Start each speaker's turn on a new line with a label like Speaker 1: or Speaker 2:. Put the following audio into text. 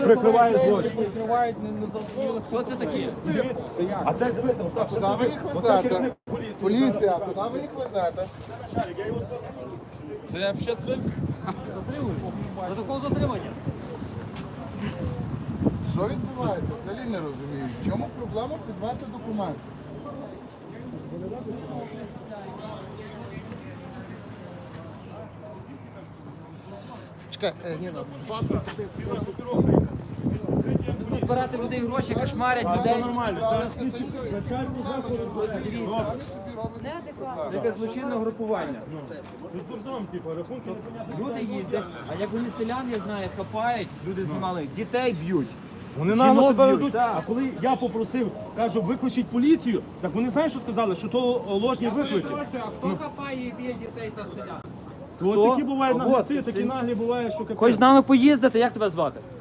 Speaker 1: прикриває злочин.
Speaker 2: Що це таке?
Speaker 1: А це дивися, Остап,
Speaker 3: Куди ви їх везете? Поліція, куди ви їх везете?
Speaker 2: Це взагалі цирк. Протокол затримання.
Speaker 3: Що відбувається? Взагалі не розумію. В чому проблема підвести документи? Чекай, ні, 20
Speaker 2: Збирати людей гроші, кошмарять
Speaker 1: Це
Speaker 2: людей.
Speaker 1: нормально, це слідчі начальні заходи.
Speaker 2: Це якесь злочинне групування.
Speaker 1: Відкордон, типу, рахунки непонятно.
Speaker 2: Люди їздять, а як вони селян, я знаю, хапають, люди знімали, дітей б'ють.
Speaker 1: Вони
Speaker 2: Жінок
Speaker 1: нагло себе
Speaker 2: б'ють,
Speaker 1: ведуть.
Speaker 2: так.
Speaker 1: А коли я попросив, кажу, викличіть поліцію, так вони знають, що сказали, що то ложні виклики.
Speaker 4: Хто хапає і б'є дітей та селян?
Speaker 1: От такі бувають
Speaker 2: От,
Speaker 1: наглі, такі наглі бувають, що
Speaker 2: Хочеш
Speaker 1: капець.
Speaker 2: з нами поїздити, як тебе звати?